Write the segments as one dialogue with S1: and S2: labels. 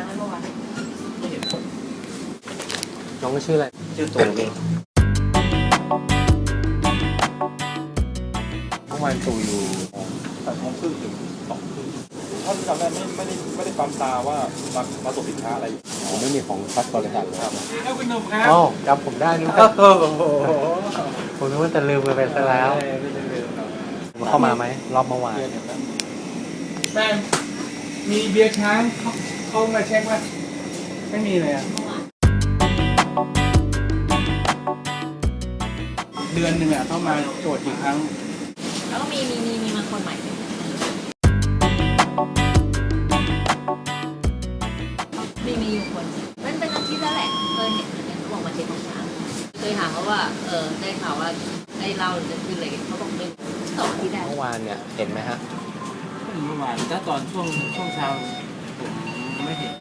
S1: ไหมเมื่อวาน
S2: ไม่เห็น
S3: น้องก็ชื่ออะไร
S2: ชื่อตูนเอง
S3: เมื่อวานตู่อยู่
S2: 8:30ถึง2:00ถ้าจำได้ไม่ได้ปั๊มตาว่ามาส่งสินค้าอะไรอยู่
S3: ผมไม่มีของพัดบริษัท
S2: ครับ
S1: คุณหนุ่มครับ
S3: อ๋อจำผมได้นึกว่าผมนึกว่าจะลืมไปซะแล้วเข้ามาไหมรอบเมื่อวาน
S1: แม่มีเบียร์ช้างเข้ามาเช็คว่าไม่มีเลยอ่ะเดือนหนึ่งอ่ะเข้ามาตรวจอีกครั้ง
S4: แล้วก็มีมาคนใหม่มีอยู่คนมันเป็นอาทิตย์แล้วแหละเคยเห็นเหมือนกันเขาบอกมาเช็คของช้างเคยถามเขาว่าได้ข่าวว่าไอ้เราจะขึ้นอะไรเขาบอกไม่2 อาทิตย์ได้
S3: เมื่อวานเนี่ยเห็นไหมฮะ
S1: เมื่อวานถ้าตอนช่วงเช้าผมไม่เห็น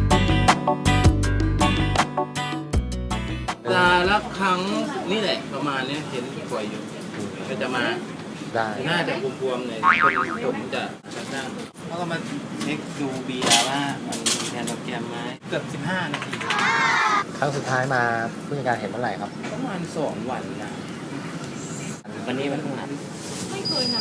S1: ละครั้งนี่แหละประมาณนี้เห็นป่วยอยู่ก็จะมา
S3: ได้
S1: หน้าจะบวมๆเลยคนผมจะตั้งแล้วก็มาเช็คดูเบียร์ว่ามันมีแคลอรี่ไหมเกือบ15 นาที
S3: ครั้งสุดท้ายมาผู้จัดการเห็นเมื่อไหร่ครับ
S1: ประมาณ2 วันนะวันนี้มันนาน
S4: ไม่เคยนาน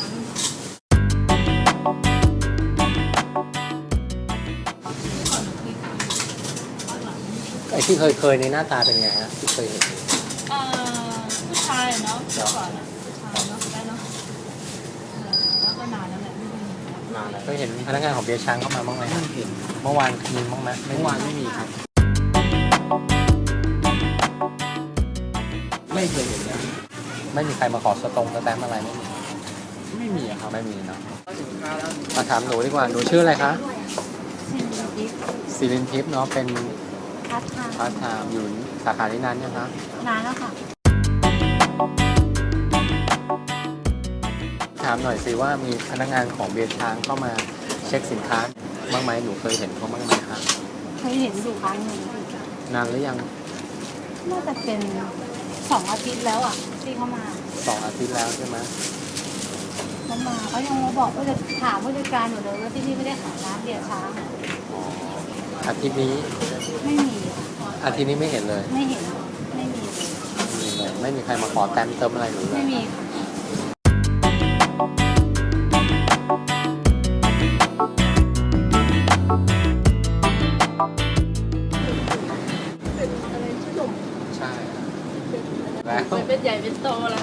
S3: ไอ้ที่เคยในหน้าตาเป็นไงฮะที่เคยเห็น
S4: ผู้ชายเนาะก่อนผู้ชายเนาะได้เนาะแล้วก็นานแล้วแหละ
S3: มาแล้วก็เห็นพนักงานของเบียร์ช้างเข้ามาบ้างไหม
S1: ไม่เห็น
S3: เมื่อวานมีบ้างไหม
S1: เมื่อวานไม่มีครับไม่เคยเห็นเลย
S3: ไม่มีใครมาขอสตงสแตมป์อะไรไม่มี
S1: ไม่มีอะครับ
S3: ไม่มีเนาะมาถามหนูดีกว่าหนูชื่ออะไรคะศิรินทิพย์เนาะเป็นพาร์ทไทม์อยู่สาขาที่นั้นนะคะ
S4: นานแล้วค่ะ
S3: ถามหน่อยสิว่ามีพนักงานของเบียร์ช้างเข้ามาเช็คสินค้าบ้างไหมหนูเคยเห็นเขาบ้างไหมคะ
S5: เคยเห็นอยู่ครั้งหนึ่ง
S3: นานหรือยัง
S5: น่าจะเป็น2 อาทิตย์แล้วอ่ะที่เขามา
S3: 2 อาทิตย์แล้วใช่ไหม
S5: เขายังมาบอกว่าจะถามผู้จัดการอยู่เลยว่าที่นี่ไม่ได้ขายน้ำเบียร์ช้าง
S3: อ๋ออาทิตย์นี้
S5: ไม่มี
S3: อาทิตย์นี้ไม่เห็นเลย
S5: ไม่เห็นไม่มีเลย
S3: ไม่มีใครมาขอแต้มเติมอะไรหนูเล
S5: ไม่
S3: ย
S5: มีอะไรชื่อหนุ่ม
S3: ใช่แล้ว
S4: เป็นใหญ่เป็นโตแล้ว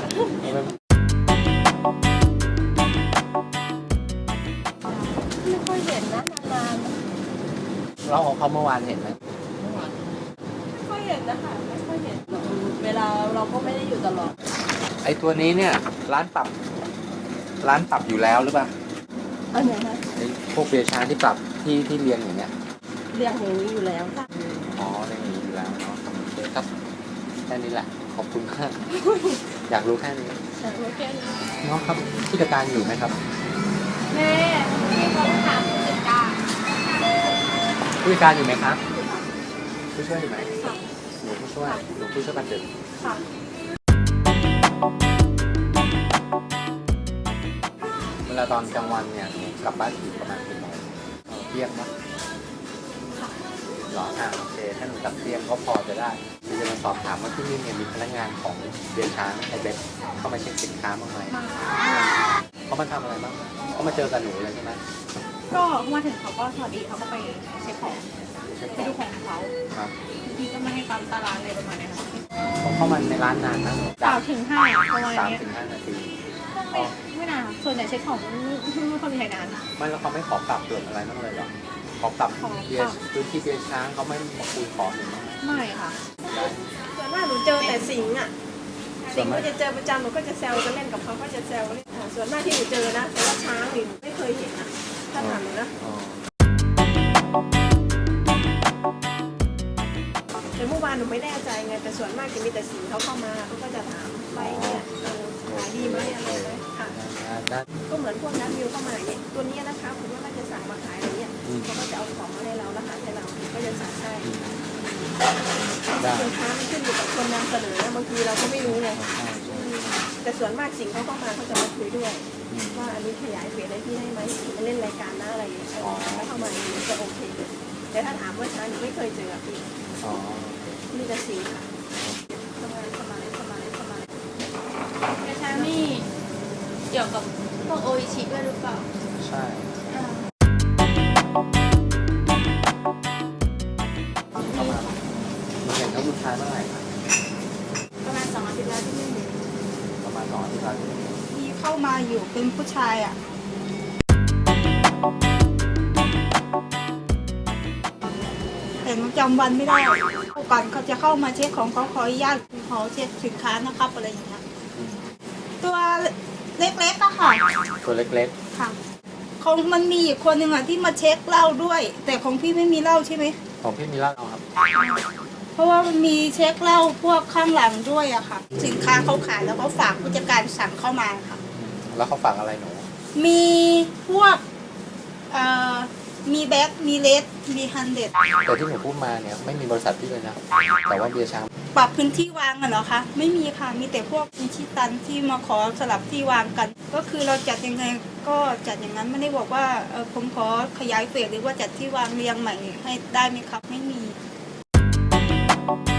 S5: ไม่ค่อยเห็นนะนาน
S3: เราของเขาเมื่อวานเห็นไหม
S5: ๆไม่ค่อยเห็นนะคะไม่ค่อยเห็น
S4: เวลาเราก็ไม่ได้อยู่ตลอด
S3: ไอตัวนี้เนี่ยร้านปรับอยู่แล้วหรือเปล่า
S5: อันไหนคะ
S3: ไอพวกเบียร์ช้างที่ปรับที่เรียงอย่างเงี้ย
S5: เรียงอย่างนี้อยู่แล้วค่ะ
S3: อ๋อเรียงอย่างนี้อยู่แล้วเนาะโอเคครับแค่นี้แหละขอบคุณมากอยากรู้แค่นี้
S5: แต่ไม่แค่นี้
S3: น้องครับผู้จัดการอยู่ไหมครับ
S5: แม่ที่เขาถามผู้จัดการ
S3: ผู้จัดการอยู่ไหมครับผู้ช่วยอยู่ไหมหนูผู้ช่วยบัตรดึก
S5: ค่ะ
S3: เวลาตอนกลางวันเนี่ยหนูกลับบ้านถึงประมาณกี่โมงเที่ยงปะหรอโอเคถ้าหนูกลับเที่ยงก็พอจะได้คือจะมาสอบถามว่าที่นี่เนี่ยมีพนักงานของเบียร์ช้างไอเบสเข้ามาเช็คสินค้าบ้างไหมเขามาทำอะไรบ้างเขามาเจอกับหนูเลยใช่ไหม
S5: ก็มาถึงเขาก็สวัสดีเขาก็ไปเช็คของไปดูของเขา
S3: ครับ
S5: บางทีก็ไม่ให้ปั๊มตารางอะไรประมาณนี้ค่ะ
S3: เขาเข้ามาในร้านนานนะ
S5: 3 ถึง 5ประมาณ
S3: 3
S5: นี้
S3: ถึง 5 นาที
S5: ไม่นานค่ะส่วนใหญ่เช็คของไม่ค่อยมีใครนาน
S3: ไม่แล้วเขาไม่ขอปรับเปลี่ยนอะไรบ้างเลยเหรอขอปรับ
S5: ขอปรับ
S3: เบียร์พื้นที่เบียร์ช้างเขาไม่มาคุยขอหนึ่งบ้างไหม
S5: ไม่ค่ะ
S6: ส่วนมากหนูเจอแต่สิงห์อ่ะ สิงห์ก็จะเจอประจำหนูก็จะแซวจะเล่นกับเขาก็จะแซวเล่นค่ะส่วนมากที่หนูเจอนะ แต่ว่าช้างนี่หนูไม่เคยเห็นนะถ้าถามหนูนะ
S3: อ๋อ
S6: แต่เมื่อวานหนูไม่แน่ใจไง แต่ส่วนมากจะมีแต่สิงห์เขาเข้ามาเขาก็จะถามไปเนี่ยขายดีไหมอะไรไหมค่ะ
S3: ได้
S6: ก็เหมือนพวกนักวิวเข้ามาอย่างเงี้ยตัวนี้นะคะผมว่าน่าจะสั่งมาขายอะไรเงี้ยเขาก็จะเอาของมาให้เราแล้วหาให้เราก็จะสั่งให้
S3: ได้
S6: สินค้ามันขึ้นอยู่กับคนนำเสนอนะบางทีเราก็ไม่รู้ไง แต่ส่วนมากสิ่งเขาเข้ามาเขาจะมาคุยด้วย ว่าอันนี้ขยายเฟสอะไรพี่ได้ไหมไปเล่นรายการนะอะไรอย่างเงี้ยถ้าเข้ามาอย่างนี้จะโอเคแต่ถ้าถามว่าช้างหนูไม่เคยเจอพี่
S3: อ๋อ
S6: มีแต่สิงค่ะ
S5: สบายกระช้างนี่เกี่ยวกับพวกโออิชิด้วยหรือเปล่า
S3: ใช่ เข้ามาเห็นเขาลูกชายเมื่อไหร่ครับ
S5: ประมาณ2 อาทิตย์แล้วที่ไม่มี
S3: ประมาณ2 อาทิตย์แล้ว
S7: มีเข้ามาอยู่เป็นผู้ชายอ่ะแต่จำวันไม่ได้ก่อนเขาจะเข้ามาเช็คของเขาขออนุญาตขอเช็คสินค้านะครับอะไรอย่างเงี้ยตัวเล็กๆอะค่ะ
S3: ตัวเล็ก
S7: ค่ะของมันมีอีกคนหนึ่งอะที่มาเช็คเหล้าด้วย แต่ของพี่ไม่มีเหล้าใช่ไหม
S3: ๆ ของพี่มีเหล้าครับ
S7: เพราะว่ามันมีเช็คเหล้าพวกข้างหลังด้วยอะค่ะ สินค้าเขาขายแล้วเขาฝากผู้จัดการสั่งเข้ามาค่ะ
S3: แล้วเขาฝากอะไรหนู
S7: มีพวกมีแบ็คมีเลสมีฮันเด็ด
S3: แต่ที่หนูพูดมาเนี่ยไม่มีบริษัทพี่เลยนะ แต่ว่าเบียร์ช้าง
S7: ปรับพื้นที่วางอะเหรอคะไม่มีค่ะมีแต่พวกอิชิตันที่มาขอสลับที่วางกัน ก็คือเราจัดยังไงก็จัดอย่างนั้นไม่ได้บอกว่าผมขอขยายเฟสหรือว่าจัดที่วางเรียงใหม่ให้ได้ไหมครับไม่มี